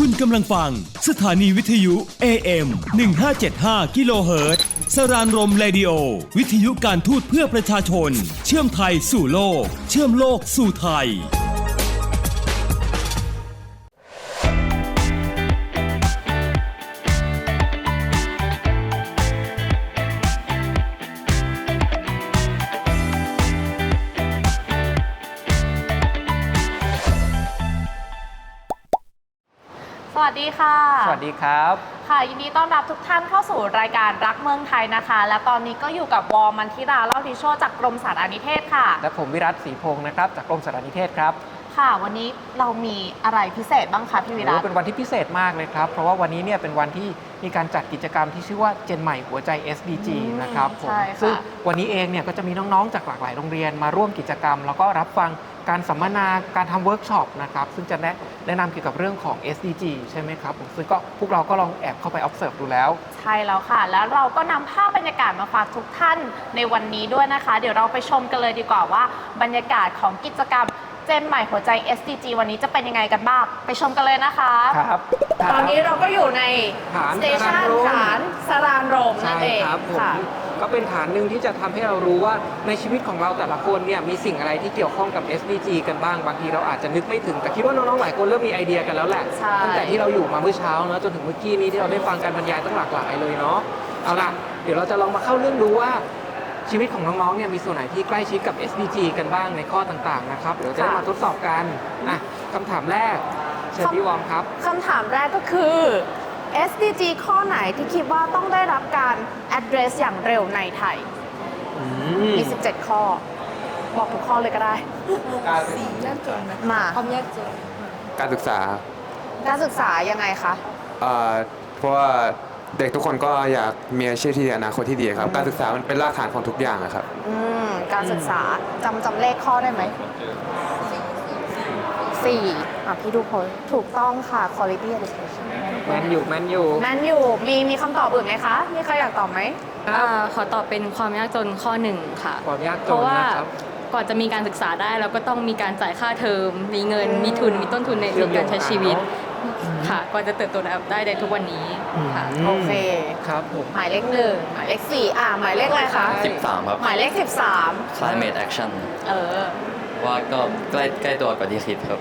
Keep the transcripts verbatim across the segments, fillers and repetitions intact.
คุณกำลังฟังสถานีวิทยุ เอ เอ็ม หนึ่งห้าเจ็ดห้า กิโลเฮิรตซ์สรานรมเรดิโอวิทยุการทูตเพื่อประชาชนเชื่อมไทยสู่โลกเชื่อมโลกสู่ไทยสวัสดีค่ะสวัสดีครับค่ะยินดีต้อนรับทุกท่านเข้าสู่รายการรักเมืองไทยนะคะและตอนนี้ก็อยู่กับวอมันทิราเล่าทิโชจากกรมสารนิเทศค่ะและผมวิรัตศรีพงศ์นะครับจากกรมสารนิเทศครับค่ะวันนี้เรามีอะไรพิเศษบ้างคะพี่วิรัตเป็นวันที่พิเศษมากเลยครับเพราะว่าวันนี้เนี่ยเป็นวันที่มีการจัดกิจกรรมที่ชื่อว่าเจนใหม่หัวใจ เอส ดี จี นะครับผมซึ่งวันนี้เองเนี่ยก็จะมีน้องๆจากหลากหลายโรงเรียนมาร่วมกิจกรรมแล้วก็รับฟังการสัมมนาการทำเวิร์กช็อปนะครับซึ่งจะแนะแนะนำเกี่ยวกับเรื่องของ เอส ดี จี ใช่ไหมครับผมซึ่งก็พวกเราก็ลองแอบเข้าไป observe ดูแล้วใช่แล้วค่ะแล้วเราก็นำภาพบรรยากาศมาฝากทุกท่านในวันนี้ด้วยนะคะเดี๋ยวเราไปชมกันเลยดีกว่าว่าบรรยากาศของกิจกรรมเจนใหม่หัวใจ เอส ดี จี วันนี้จะเป็นยังไงกันบ้างไปชมกันเลยนะคะครับตอนนี้เราก็อยู่ในสเตชันฐานสรานรมนั่นเองค่ะก็เป็นฐานหนึ่งที่จะทำให้เรารู้ว่าในชีวิตของเราแต่ละคนเนี่ยมีสิ่งอะไรที่เกี่ยวข้องกับ เอส ดี จี กันบ้างบางทีเราอาจจะนึกไม่ถึงแต่คิดว่าน้องๆหลายคนเริ่มมีไอเดียกันแล้วแหละตั้งแต่ที่เราอยู่มาเมื่อเช้าเนอะจนถึงเมื่อกี้นี้ที่เราได้ฟังการบรรยายตั้งหลากหลายเลยเนาะเอาล่ะเดี๋ยวเราจะลองมาเข้าเรื่องดูว่าชีวิตของน้องๆเนี่ยมีส่วนไหนที่ใกล้ชิดกับ เอส ดี จี กันบ้างในข้อต่างๆนะครับเดี๋ยวจะมาทดสอบกันอ่ะคำถามแรกเชิญพี่วอมครับคำถามแรกก็คือ เอส ดี จี ข้อไหนที่คิดว่าต้องได้รับการ address อย่างเร็วในไทยมีสิบเจ็ดข้อบอกทุกข้อเลยก็ได้สี่ยากจนนะมาความยากจนการศึกษาการศึกษายังไงคะเอ่อเพราะว่าเด็กทุกคนก็อยากมีอาชีพที่ดีอนาคตที่ดีครับการศึกษามันเป็นรากฐานของทุกอย่างครับอืมการศึกษาจำจำเลขข้อได้ไหมสี่อ่ะพี่ดูพลถูกต้องค่ะ quality education แมนอยู่แมนอยู่แมนอยู่มีมีคำตอบอื่นไหมคะมีใครอยากตอบไหมขอตอบเป็นความยากจนข้อหนึ่งค่ะความยากจนเพราะว่าก่อนจะมีการศึกษาได้เราก็ต้องมีการจ่ายค่าเทอมมีเงินมีทุนมีต้นทุนในการใช้ชีวิตค่ะก่อนจะเติบโตได้ในทุกวันนี้ค่ะโอเคครับผมหมายเลขหนึ่งหมายเลขสี่อ่าหมายเลขอะไรคะสิบสามครับหมายเลขสิบสาม climate action เออว่าก็ใกล้ใกล้ตัวกว่าที่คิดครับ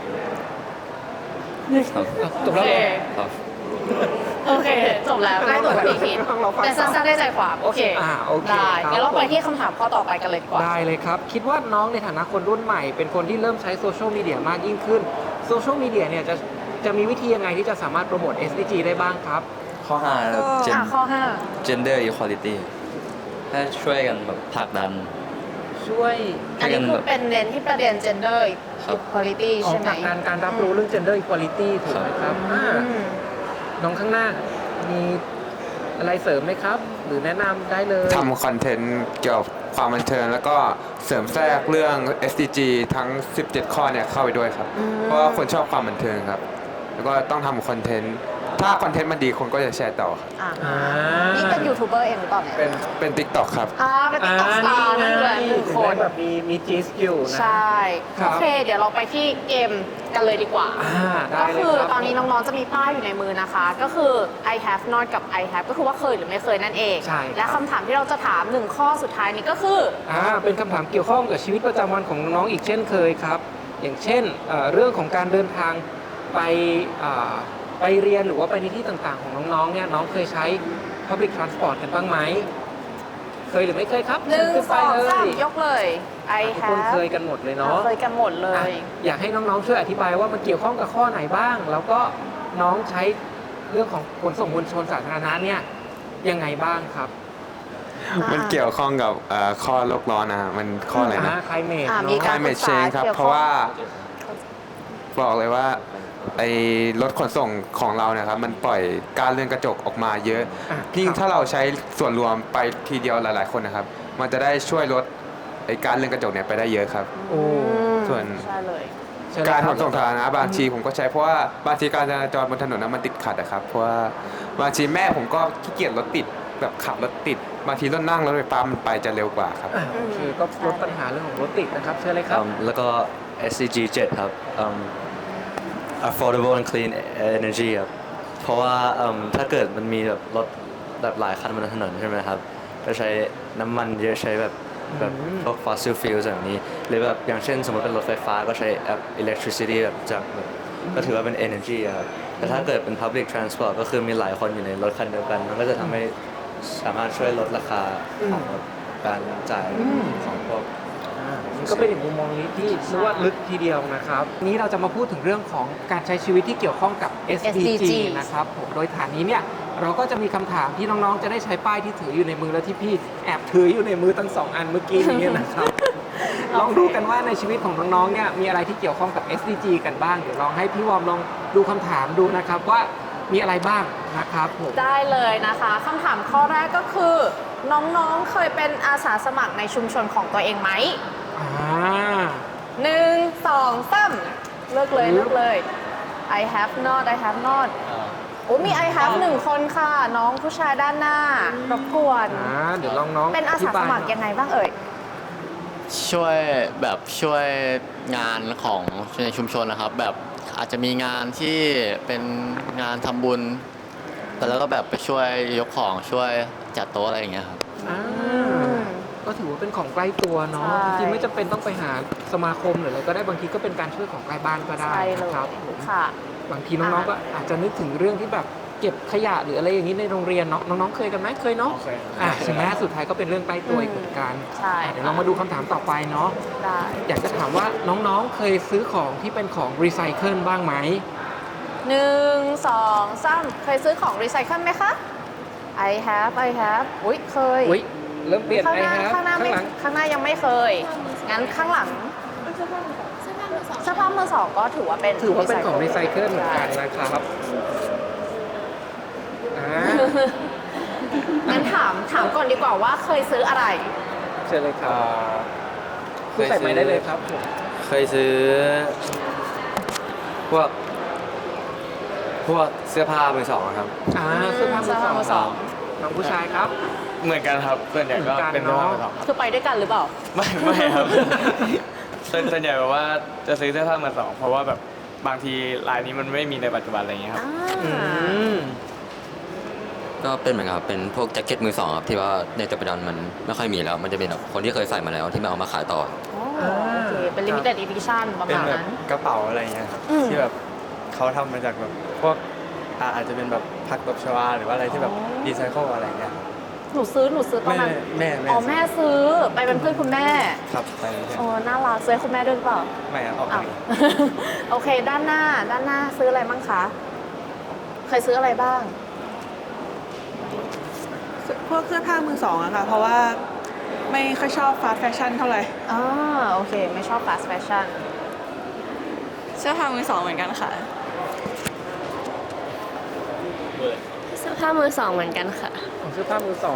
จบแล้วครับโอเคจบแล้วใกล้ตัวกว่าที่คิดแต่สั้นๆได้ใจความโอเคได้งั้นเราไปที่คำถามข้อต่อไปกันเลยดีกว่าได้เลยครับคิดว่าน้องในฐานะคนรุ่นใหม่เป็นคนที่เริ่มใช้โซเชียลมีเดียมากยิ่งขึ้นโซเชียลมีเดียเนี่ยจะจะมีวิธียังไงที่จะสามารถโปรโมท เอส ดี จี ได้บ้างครับข้อห้าครับข้อห้า gender equality ให้ช่วยกันแบบผลักดันช่วยอันนี้คือเป็นเน้นที่ประเด็น gender equality ใช่ไหมผลักดันการรับรู้เรื่อง gender equality ถูกไหมครับน้องข้างหน้ามีอะไรเสริมไหมครับหรือแนะนำได้เลยทำคอนเทนต์เกี่ยวกับความบันเทิงแล้วก็เสริมแทรกเรื่อง เอส ดี จี ทั้งสิบเจ็ดข้อเนี่ยเข้าไปด้วยครับเพราะว่าคนชอบความบันเทิงครับแล้วก็ต้องทำคอนเทนต์ถ้าคอนเทนต์มันดีคนก็จะแชร์ต่อนี่เป็นยูทูบเบอร์เองหรือเปล่าเนี่ยเป็นเป็น ติ๊กต็อก ครับอ่าเป็น ติ๊กต็อก สตาร์ นั่นเลยหนึ่งคนแบบมีมีจีสกิลนะใช่โอเคเดี๋ยวเราไปที่เกมกันเลยดีกว่าก็คือตอนนี้น้องๆจะมีป้ายอยู่ในมือนะคะก็คือ I have not กับ I have ก็คือว่าเคยหรือไม่เคยนั่นเองและคำถามที่เราจะถามหนึ่งข้อสุดท้ายนี้ก็คืออ่าเป็นคำถามเกี่ยวข้องกับชีวิตประจำวันของน้องๆอีกเช่นเคยครับอย่างเช่นเรื่องของการเดินทางไปไปเรียนหรือว่าไปในที่ต่างๆของน้องๆเนี่ยน้องเคยใช้ Public Transport กันบ้างไหมเคยหรือไม่เคยครับหนึ่งสองสามยกเลย I have ทุกคนเคยกันหมดเลยเนาะเคยกันหมดเลยอยากให้น้องๆช่วยอธิบายว่ามันเกี่ยวข้องกับข้อไหนบ้างแล้วก็น้องใช้เรื่องของขนส่งมวลชนสาธารณะเนี่ยยังไงบ้างครับมันเกี่ยวข้องกับข้อโลกร้อนนะมันข้ออะไรนะ climate climate change ครับเพราะว่าบอกเลยว่าไอ้รถขนส่งของเราเนี่ยครับมันปล่อยก๊าซเรือนกระจกออกมาเยอะยิ่งถ้าเราใช้ส่วนรวมไปทีเดียวหลายๆคนนะครับมันจะได้ช่วยลดไอ้ก๊าซเรือนกระจกเนี่ยไปได้เยอะครับส่วนการขนส่งสาธารณะบางทีผมก็ใช้เพราะว่าบางทีการจราจรบนถนนนั้นมันติดขัดนะครับเพราะว่าบางทีแม่ผมก็ขี้เกียจรถติดแบบขับรถติดบางทีรถนั่งรถไฟฟ้ามันไปจะเร็วกว่าครับคือก็ลดปัญหาเรื่องของรถติดนะครับเชิญเลยครับแล้วก็ เอส ดี จี เจ็ดครับ affordable and clean energy ครับเพราะว่าเอิ่มถ้าเกิดมันมีแบบรถแบบหลายคันบนถนนใช่ไหมครับก็ใช้น้ำมันเยอะใช้แบบแบบพวก fossil fuels แบบนี้หรือแบบอย่างเช่นสมมติเป็นรถไฟฟ้าก็ใช้ electricity แบบจากแบบก็ถือว่าเป็น energy อะครับแต่ถ้าเกิดเป็น public transport ก็คือมีหลายคนอยู่ในรถคันเดียวกันมันก็จะทำให้สามารถช่วยลดราคาของการจ่ายของพวกมันก็เป็นอีกมุมมองนี้ที่รู้ว่าลึกทีเดียวนะครับนี้เราจะมาพูดถึงเรื่องของการใช้ชีวิตที่เกี่ยวข้องกับ เอส ดี จี นะครับผมโดยฐานนี้เนี่ยเราก็จะมีคำถามที่น้องๆจะได้ใช้ป้ายที่ถืออยู่ในมือและที่พี่แอบถืออยู่ในมือทั้งสองอันเมื่อกี้นี้นะครับ ลองดูกันว่าในชีวิตของน้องๆเนี่ยมีอะไรที่เกี่ยวข้องกับ เอส ดี จี กันบ้างเดี๋ยวลองให้พี่วอมลองดูคำถามดูนะครับว่ามีอะไรบ้างนะครับผมได้เลยนะคะคำถามข้อแรกก็คือ น้องๆเคยเป็นอาสาสมัครในชุมชนของตัวเองไหมอ่าหนึ่งสองสามเลือกเลยเลือกเลย I have not I have not โอ้มี I have หนึ่งคนค่ะ น้องผู้ชายด้านหน้ารบกวนอ่าเดี๋ยวลองน้องเป็นอาสาสมัครยังไงบ้างเอ่ยช่วยแบบช่วยงานของในชุมชนนะครับ แบบอาจจะมีงานที่เป็นงานทำบุญ แต่แล้วก็แบบไปช่วยยกของช่วยจัดโต๊ะอะไรอย่างเงี้ยครับอ่าก็ถือว่าเป็นของใกล้ตัวเนาะใช่จริงๆไม่จำเป็นต้องไปหาสมาคมหรืออะไรก็ได้บางทีก็เป็นการช่วยของใกล้บ้านก็ได้ใช่เลยนะครับผมค่ะบางทีน้องๆก็อาจจะนึกถึงเรื่องที่แบบเก็บขยะหรืออะไรอย่างนี้ในโรงเรียนเนาะน้องๆเคยกันไหมเคยเนาะอ่าใช่ไหมสุดท้ายก็เป็นเรื่องใกล้ตัวอีกเหมือนกันใช่อ่ะเดี๋ยวเรามาดูคำถามต่อไปเนาะได้อยากจะถามว่าน้องๆเคยซื้อของที่เป็นของรีไซเคิลบ้างไหมหนึ่งสองสามเคยซื้อของรีไซเคิลไหมคะ I have I have อุ้ยเคยอุ้ยเริ่มเปลี่ยนข้างไอหน้าแฮปข้างหน้าข้างไม่หลังข้างหน้ายังไม่เคย งั้นข้างหลังเสื้อผ้ามือสองเสื้อผ้ามือสองก็ถือว่าเป็นถือว่าเป็นของรีไซเคิลเหมือนกันนะครับอ่างั้นถามถามก่อนดีกว่าว่าเคยซื้ออะไรเชิญเลยครับคุณใส่ไม้ได้เลยครับผมเคยซื้อพวกพวกเสื้อผ้ามือสองครับอ่าเสื้อผ้ามือเสื้อผ้ามือสสออง งน้องผู้ชายครับเหมือนกันครับส่วนใหญ่ก็เป็นเหมือนกันเนอะคือไปด้วยกันหรือเปล่าไม่ไม่ครับ ส่วนส่วนใหญ่แบบว่าจะซื้อเสื้อผ้ามือสองเพราะว่าแบบบางทีลายนี้มันไม่มีในปัจจุบันอะไรอย่างเงี้ยครับอ่าอืมก็เป็นเหมือนกับเป็นพวกแจ็คเก็ตมือสองครับที่ว่าในปัจจุบันมันไม่ค่อยมีแล้ว มันจะเป็นแบบคนที่เคยใส่มาแล้วที่มาเอามาขายต่ออ๋อโอเค เป็น limited edition ประเป็นมาณแบบนั้นกระเป๋าอะไรอย่างเงี้ยครับอืมที่แบบเขาทำมาจากแบบพวกอ่าอาจจะเป็นแบบผักตบชวาหรือว่าอะไรที่แบบรีไซเคิลอะไรอย่างเงี้ยครับหนูซื้อ หนูซื้อตอนแม่นั้นแม่แม่อ๋อ แม่ซื้อ ไปเป็นเพื่อนคุณแม่ครับไปเลยใช่โอ้น่ารักซื้อให้คุณแม่ด้วยหรือเปล่าไม่ครับออกอ้าวเองโอเค ด้านหน้า ด้านหน้าซื้ออะไรบ้างคะ เคยซื้ออะไรบ้างพวกเสื้อผ้ามือสองอะค่ะ เพราะว่าไม่ค่อยชอบฟาสต์แฟชั่นเท่าไหร่อ่า โอเค ไม่ชอบ fast fashion เสื้อผ้ามือสองเหมือนกันค่ะเสื้อผ้ามือสองเหมือนกันค่ะของเสื้อผ้ามือสอง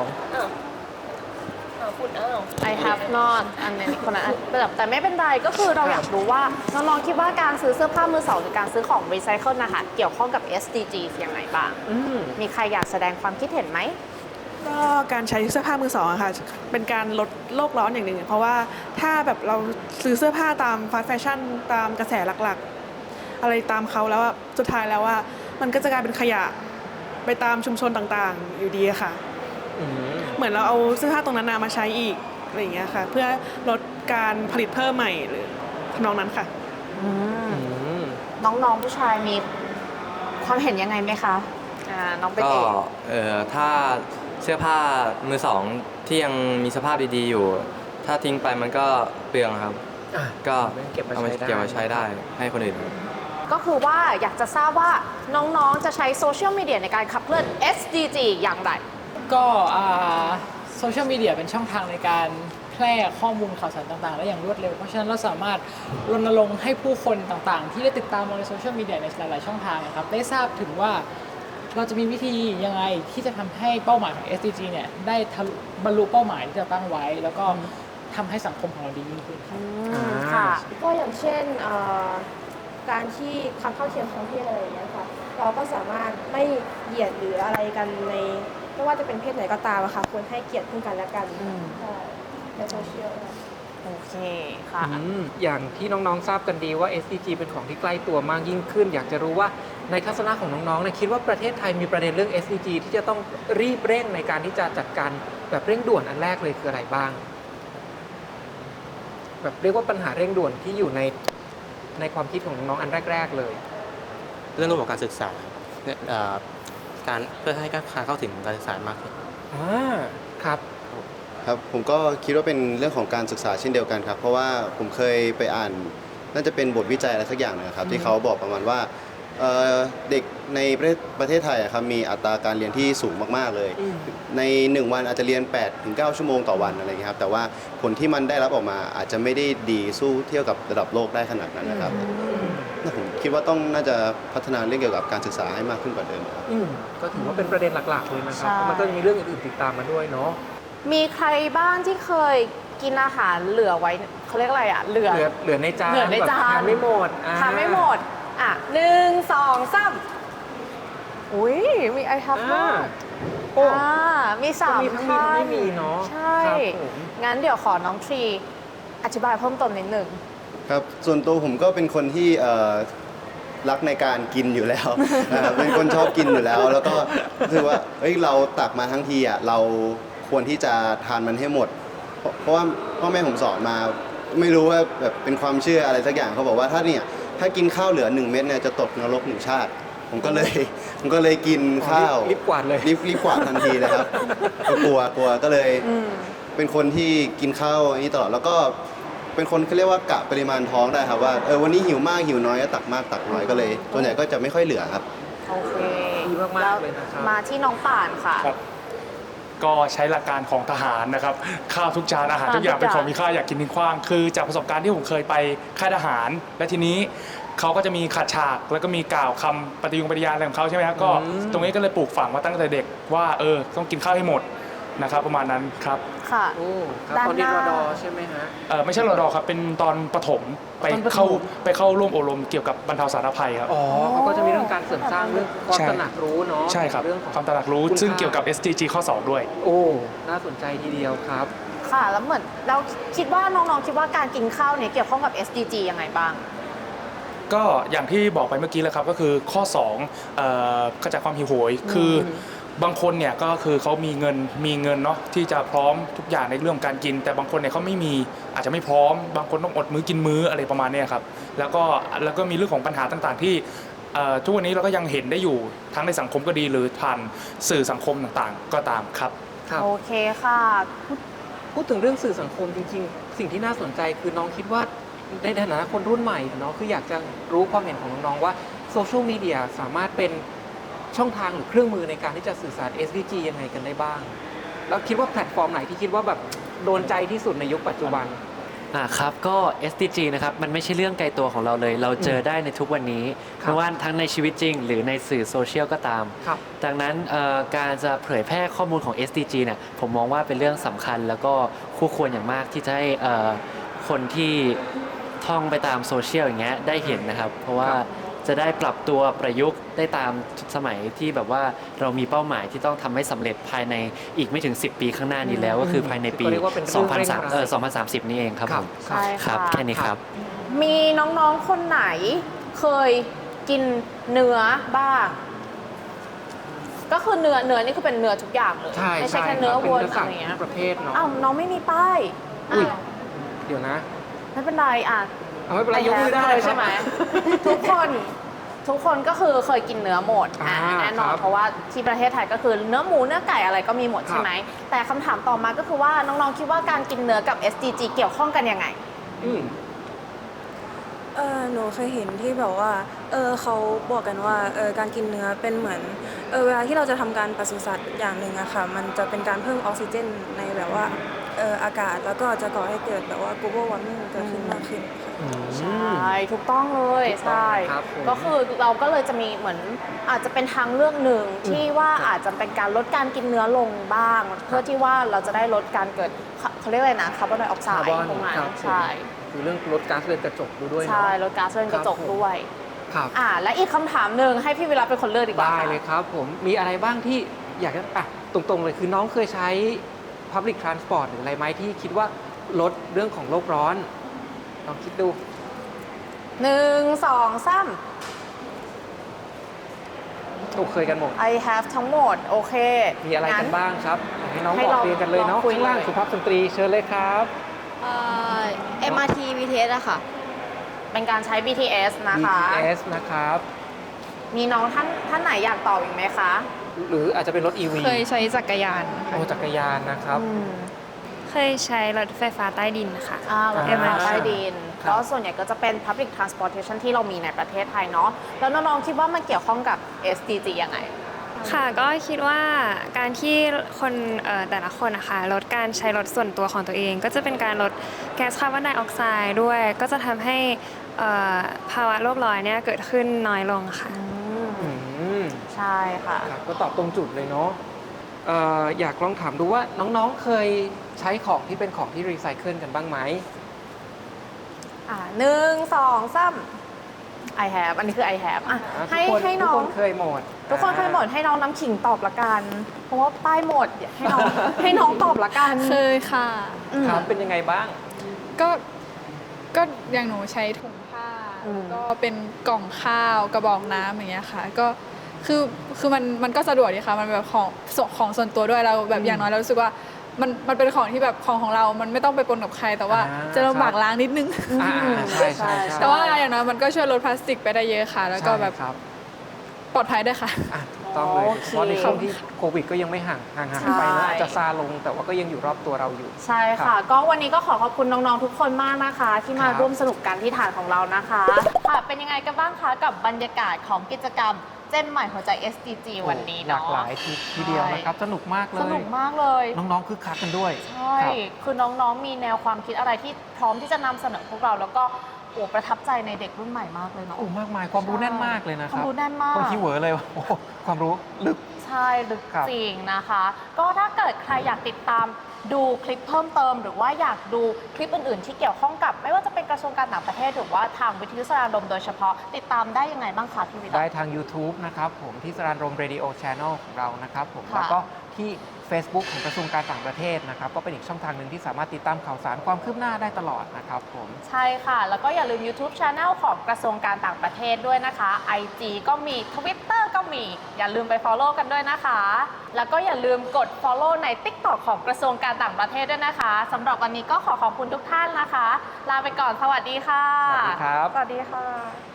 I have not อันนี้คนละอันแต่แต่ไม่เป็นไรก็คือเราอยากรู้ว่าน้องๆคิดว่าการซื้อเสื้อผ้ามือสองหรือการซื้อของรีไซเคิลนะคะ เกี่ยวข้องกับ เอส ดี จี ยังไงบ้างอืมมีใครอยากแสดงความคิดเห็นไหมก็การใช้เสื้อผ้ามือสองอะค่ะ เป็นการลดโลกร้อนอย่างหนึ่งเพราะว่าถ้าแบบเราซื้อเสื้อผ้าตามฟาสต์แฟชั่นตามกระแสหลักๆ อะไรตามเขาแล้วอะสุดท้ายแล้วว่ามันก็จะกลายเป็นขยะไปตามชุมชนต่างๆ อยู่ดีอะค่ะอืมเหมือนเราเอาเสื้อผ้าตรงนั้นมาใช้อีกอะไรอย่างเงี้ยค่ะ เพื่อลดการผลิตเพิ่มใหม่หรือทำนองนั้นค่ะอืมน้องๆผู้ชายมีความเห็นยังไงไหมคะ อ่า น้องเป็นก็เอกเอ่อถ้าเสื้อผ้ามือสองที่ยังมีสภาพดีๆอยู่ ถ้าทิ้งไปมันก็เปลืองครับอ่ะก็เก็บมาเอามาใช้ได้เก็บมาใช้ได้ให้คนอื่นก็คือว่าอยากจะทราบว่าน้องๆจะใช้โซเชียลมีเดียในการขับเคลื่อน เอส ดี จี อย่างไรก็โซเชียลมีเดียเป็นช่องทางในการแพร่ข้อมูลข่าวสารต่างๆ ได้อย่างรวดเร็ว เพราะฉะนั้นเราสามารถรณรงค์ให้ผู้คนต่างๆ ที่ได้ติดตามเราในโซเชียลมีเดียในหลายๆช่องทางนะครับได้ทราบถึงว่าเราจะมีวิธียังไงที่จะทำให้เป้าหมายของ เอส ดี จี เนี่ยได้ทะลุบรรลุเป้าหมายที่เราตั้งไว้ แล้วก็ทำให้สังคมของเราดียิ่งขึ้นครับอืมค่ะก็อย่างเช่นเอ่อการที่ความเท่าเทียมทางเพศอะไรอย่างเงี้ยค่ะ เราก็สามารถไม่เหยียดหรืออะไรกันในไม่ว่าจะเป็นเพศไหนก็ตามอะค่ะควรให้เกียรติซึ่งกันและกันอืมใช่ในโซเชียลค่ะโอเคค่ะอืมอย่างที่น้องๆทราบกันดีว่า เอส ดี จี เป็นของที่ใกล้ตัวมากยิ่งขึ้น อยากจะรู้ว่าในทัศนะของน้องๆเนี่ยคิดว่าประเทศไทยมีประเด็นเรื่อง เอส ดี จี ที่จะต้องรีบเร่งในการที่จะจัดการแบบเร่งด่วนอันแรกเลยคืออะไรบ้าง แบบเรียกว่าปัญหาเร่งด่วนที่อยู่ในในความคิดของน้องๆอันแรกๆเลยเรื่องระบบการศึกษาเนี่ยเอ่อการเพื่อให้การเข้าถึงการศึกษามากขึ้นอ่าครับครับผมก็คิดว่าเป็นเรื่องของการศึกษาเช่นเดียวกันครับเพราะว่าผมเคยไปอ่านน่าจะเป็นบทวิจัยอะไรสักอย่างนะครับที่เขาบอกประมาณว่าเอ่อเด็กในประเทศประเทศไทยอะครับมีอัตราการเรียนที่สูงมากๆเลยในหนึ่งวันอาจจะเรียน แปดถึงเก้า ชั่วโมงต่อวันอะไรอย่างเงี้ยครับแต่ว่าผลที่มันได้รับออกมาอาจจะไม่ได้ดีสู้เทียบกับระดับโลกได้ขนาดนั้นนะครับผมคิดว่าต้องน่าจะพัฒนาเรื่องเกี่ยวกับการศึกษาให้มากขึ้นกว่าเดิมครับอืมก็ถือว่าเป็นประเด็นหลักๆเลยนะครับใช่เพราะมันก็มีเรื่องอื่นๆติดตามมาด้วยเนาะมีใครบ้างที่เคยกินอาหารเหลือไว้เขาเรียกอะไรอ่ะเหลือเหลือเหลือในจานเหลือในจานแบบทานไม่หมดอ่ทานไม่หมดอ่ะหนึ่งสองสามอุ้ยมีไอทับด้อ่าวยโอ้อ่ามีสามก็มีทั้งมีทั้งไม่มีเนอะใช่ครับผมงั้นเดี๋ยวขอน้องทรีอธิบายเพิ่มเติมนิดหนึ่งครับส่วนตัวผมก็เป็นคนที่เอ่อรักในการกินอยู่แล้ว นะครับเป็นคนชอบกินอยู่แล้ว แล้วก็รู้สึกว่าเอ้ยเราตักมาทั้งทีอ่ะเราควรที่จะทานมันให้หมด เพราะเพราะว่าพ่อแม่ผมสอนมาไม่รู้ว่าแบบเป็นความเชื่ออะไรสักอย่างเขาบอกว่าถ้าเนี่ยถ้ากินข้าวเหลือหนึ่งเม็ดเนี่ยจะตกนรกหนึ่งชาติ ผมก็เลย ผมก็เลยกินข้าวรีบกวาดเลยรีบรีบกวาดทันทีเลยครับก็กลัวกลัวก็เลย เป็นคนที่กินข้าวนี้ตลอดแล้วก็เป็นคนเขาเรียกว่ากะปริมาณท้องได้ครับว่าเออวันนี้หิวมากหิวน้อยก็ตักมากตักน้อยก็เลยส่วนใหญ่ก็จะไม่ค่อยเหลือครับโอเคดีมากๆเลยนะครับมาที่น้องป่านค่ะครับก็ใช้หลักการของทหารนะครับข้าวทุกจานอาหารทุกอย่างเป็นของมีค่าอยากกินทิ้งขว้างคือจากประสบการณ์ที่ผมเคยไปค่ายทหาร และทีนี้เขาก็จะมีขัดฉากแล้วก็มีกล่าวคำปฏิญาณปฏิญาณอะไรของเขาใช่ไหมครับก็ตรงนี้ก็เลยปลูกฝังมาตั้งแต่เด็กว่าเออต้องกินข้าวให้หมดนะครับประมาณนั้นครับค่ะโอ้ครับด้านตอนเรียนหรน้าอดอใช่ไหมฮะเออไม่ใช่รอดอครับเป็นตอนประถมไปตอนประถมเข้าไปเข้าร่วมอบรมเกี่ยวกับบรรเทาสาธารณภัยครับอ๋อเขาก็จะมีเรื่องการเสริมสร้างเรื่องความใช่ตระหนักรู้เนาะใช่ครับเรื่องของความตระหนักรู้คุณซึ่งค่าเกี่ยวกับ เอส ดี จี ข้อสองด้วยโอ้น่าสนใจทีเดียวครับค่ะ แล้วเหมือนเราคิดว่าน้องๆคิดว่าการกินข้าวเนี่ยเกี่ยวข้องกับ เอส ดี จี ยังไงบ้างก็อย่างที่บอกไปเมื่อกี้แล้วครับก็คือข้อ2เอ่อกระจายความหิวโหยคือบางคนเนี่ยก็คือเขามีเงินมีเงินเนาะที่จะพร้อมทุกอย่างในเรื่องการกิน แต่บางคนเนี่ยเขาไม่มีอาจจะไม่พร้อม บางคนต้องอดมื้อกินมื้ออะไรประมาณเนี้ครับแล้วก็แล้วก็มีเรื่องของปัญหาต่างๆ ที่เอ่อทุกวันนี้เราก็ยังเห็นได้อยู่ทั้งในสังคมก็ดีหรือผ่านสื่อสังคมต่างๆ ก็ตามครับครับโอเคค่ะพูดถึงเรื่องสื่อสังคมจริงๆ สิ่งที่น่าสนใจคือน้องคิดว่าในฐานะคนรุ่นใหม่เนาะคืออยากจะรู้ความเห็นของน้องๆว่าโซเชียลมีเดียสามารถเป็นช่องทางหรือเครื่องมือในการที่จะสื่อสาร เอส ดี จี ยังไงกันได้บ้าง แล้วคิดว่าแพลตฟอร์มไหนที่คิดว่าแบบโดนใจที่สุดในยุคปัจจุบันอ่าครับก็ เอส ดี จี นะครับมันไม่ใช่เรื่องไกลตัวของเราเลย เราเจอได้ในทุกวันนี้ครับไม่ว่าทั้งในชีวิตจริง หรือในสื่อโซเชียลก็ตามครับดังนั้นเอ่อการจะเผยแพร่ข้อมูลของ เอส ดี จี เนี่ยผมมองว่าเป็นเรื่องสำคัญ แล้วก็คู่ควรอย่างมากที่จะให้เอ่อคนที่ท่องไปตามโซเชียลอย่างเงี้ยได้เห็นนะครับ เพราะว่าจะได้ปรับตัวประยุกต์ได้ตามสมัยที่แบบว่าเรามีเป้าหมายที่ต้องทำให้สำเร็จภายในอีกไม่ถึง สิบ ปีข้างหน้านี้แล้ว ก็คือภายในปีก็เรียกว่าเป็นเรื่สออง งพันเร่งสามรัดเอ่อสองพันสามสิบนี่เองครับผมใช่ค่ะครับแค่นี้ครับมีน้องๆ คนไหนเคยกินเนื้อบ้าง ก็คือเนื้อเนื้อนี่คือเป็นเนื้อทุกอย่างเลยใช่ไม่ใช่ใช่แค่เนื้อครับเป็นวัวเนื้อสัอะตว์ไรเงี้ยทุกประเภทเนาะอ้าวน้องไม่มีป้ายอุ้ยอ้าวเดี๋ยวนะไม่เป็นไรอ่ะเอาไม่เป็นไรยกมือได้เลยครับใช่ไหม ทุกคนทุกคนก็คือเคยกินเนื้อหมดอ่ะอ่าแน่นอนครับเพราะว่าที่ประเทศไทยก็คือเนื้อหมูเนื้อไก่อะไรก็มีหมดครับใช่ไหมแต่คำถามต่อมาก็คือว่าน้องๆคิดว่าการกินเนื้อกับ เอส ดี จี เกี่ยวข้องกันยังไงอืมเออหนูเคยเห็นที่แบบว่าเออเขาบอกกันว่าเออการกินเนื้อเป็นเหมือนเออเวลาที่เราจะทำการปศุสัตว์อย่างหนึ่งอะค่ะมันจะเป็นการเพิ่มออกซิเจนในแบบว่าเอออากาศแล้วก็จะก่อให้เกิดแบบว่า global warming เกิดขึ้นมากขึ้นค่ะใช่ถูกต้องเลยถูกต้องใช่ครับผมก็คือเราก็เลยจะมีเหมือนอาจจะเป็นทางเลือกหนึ่งที่ว่าอาจจะเป็นการลดการกินเนื้อลงบ้าง เพื่อที่ว่าเราจะได้ลดการเกิดเขาเขาเรียกอะไรนะคาร์บอนไดออกไซคาร์ด์บอนตรงนั้นครับใช่คือเรื่องลดก๊าซเรือนกระจกด้วยเนาะใช่ลดก๊าซเรือนกระจกครับผมด้วยครับอ่าและอีกคำถามหนึ่งให้พี่วิระเป็นคนเลือกดีกว่าได้เลยครับผมมีอะไรบ้างที่อยากจะอ่ะตรงๆเลยคือน้องเคยใช้ Public Transport หรืออะไรไหมที่คิดว่าลดเรื่องของโลกร้อนลองคิดดูหนึ่งสองสามถูกเคยกันหมด I have ทั้งหมด โอเคมีอะไรกันบ้างครับให้น้องให้บอกเราเรียนกันเลยเนาะลองคุยข้างล่างเลยสุภาพสตรีเชิญเลยครับเอ็ม อาร์ ที บี ที เอส อะค่ะเป็นการใช้ บี ที เอส นะคะบี ที เอส นะครับมีน้องท่านท่านไหนอยากตอบอีกไหมคะหรืออาจจะเป็นรถ อี วีเคยใช้จักรยานโอ้จักรยานนะครับเคยใช้รถไฟฟ้าใต้ดินค่ะอ่ารถไฟฟ้าใต้ดินครับก็ส่วนใหญ่ก็จะเป็น Public Transportation ที่เรามีในประเทศไทยเนาะ แล้วน้องๆคิดว่ามันเกี่ยวข้องกับ เอส ดี จี ยังไงค่ะก็คิดว่าการที่คนเอ่อแต่ละคนนะคะลดการใช้รถส่วนตัวของตัวเอง ก็จะเป็นการลดแก๊สคาร์บอนไดออกไซด์ด้วย ก็จะทำให้เอ่อภาวะโลกร้อนเนี่ยเกิดขึ้นน้อยลงค่ะอืมใช่ค่ะครับก็ตอบตรงจุดเลยเนาะเอ่ออยากลองถามดูว่าน้องๆเคยใช้ของที่เป็นของที่รีไซเคิลกันบ้างไหมอ่าหนึ่งสองสาม I have อันนี้คือ I have อ่ะอ่าให้ทุกคนให้น้อทุกงคนเคยหมดทุกคนเคยหมดให้น้องน้ำขิงตอบละกัน เพราะว่าป้ายหมดให้น้อง ให้น้องตอบละกันเคยค่ะครับเป็นยังไงบ้างก็ก็อย่างหนูใช้ถุงผ้าอืมก็เป็นกล่องข้าวกระบอกน้ำอย่างเงี้ยค่ะ ก็คือคือมันมันก็สะดวกดีค่ะมันแบบของส่วนของส่วนตัวด้วยเราแบบอย่างน้อยเรารู้สึกว่ามันมันเป็นของที่แบบของของเรา มันไม่ต้องไปปนกับใคร แต่ว่าอ่าจะลำบากล้างนิดนึงอ่าใช่ใช่ใช่แต่ว่าอย่างน้อยมันก็ช่วยลดพลาสติกไปได้เยอะค่ะ แล้วก็แบบใช่ครับปลอดภัยด้วยค่ะต้องเลยโอเคเพราะในช่วงที่โควิดก็ยังไม่ห่างห่างหายไปนะใช่อาจจะซาลงแต่ว่าก็ยังอยู่รอบตัวเราอยู่ใช่ครัค่ะบก็วันนี้ก็ขอขอบคุณน้องๆทุกคนมากนะคะ ที่มาครับร่วมสนุกกันที่ฐานของเรานะคะค่ะเป็นยังไงกันบ้างคะกับบรรยากาศของกิจกรรมเจนใหม่หัวใจ เอส ดี จี วันนี้หลาเนาะกหลายทีทีเดียวนะครับ สนุกมากเลยสนุกมากเลยน้องๆคึกคักกันด้วยใช่ครับคือน้องๆมีแนวความคิดอะไรที่พร้อมที่จะนำเสนอพวกเรา แล้วก็โอ้ประทับใจในเด็กรุ่นใหม่มากเลยเนาะโอ้มากมายความรู้แน่นมากเลยนะคควารัมบรู้แน่นมากบางทีเหวอเลยว่าโอ้ความรู้ลึกใช่ลึกครับจริงนะคะ ก็ถ้าเกิดใครอยากติดตามดูคลิปเพิ่มเติม หรือว่าอยากดูคลิปอื่นๆ ที่เกี่ยวข้องกับ ไม่ว่าจะเป็นกระทรวงการต่างประเทศหรือว่าทางวิทยุสารลมโดยเฉพาะติดตามได้ยังไงบ้างคะพี่วิทย์ได้ทาง YouTube นะครับผมที่สรานรม Radio Channel ของเรานะครับผมค่ะแล้วก็ที่ Facebook ของกระทรวงการต่างประเทศนะครับก็เป็นอีกช่องทางหนึ่งที่สามารถติดตามข่าวสารความคืบหน้าได้ตลอดนะครับผมใช่ค่ะ แล้วก็อย่าลืม YouTube Channel ของกระทรวงการต่างประเทศด้วยนะคะ ไอ จี ก็มี Twitter ก็มี อย่าลืมไป Follow กันด้วยนะคะ แล้วก็อย่าลืมกด Follow ใน TikTok ของกระทรวงการต่างประเทศด้วยนะคะสำหรับวันนี้ก็ขอขอบคุณทุกท่านนะคะ ลาไปก่อน สวัสดีค่ะสวัสดีครับสวัสดีค่ะ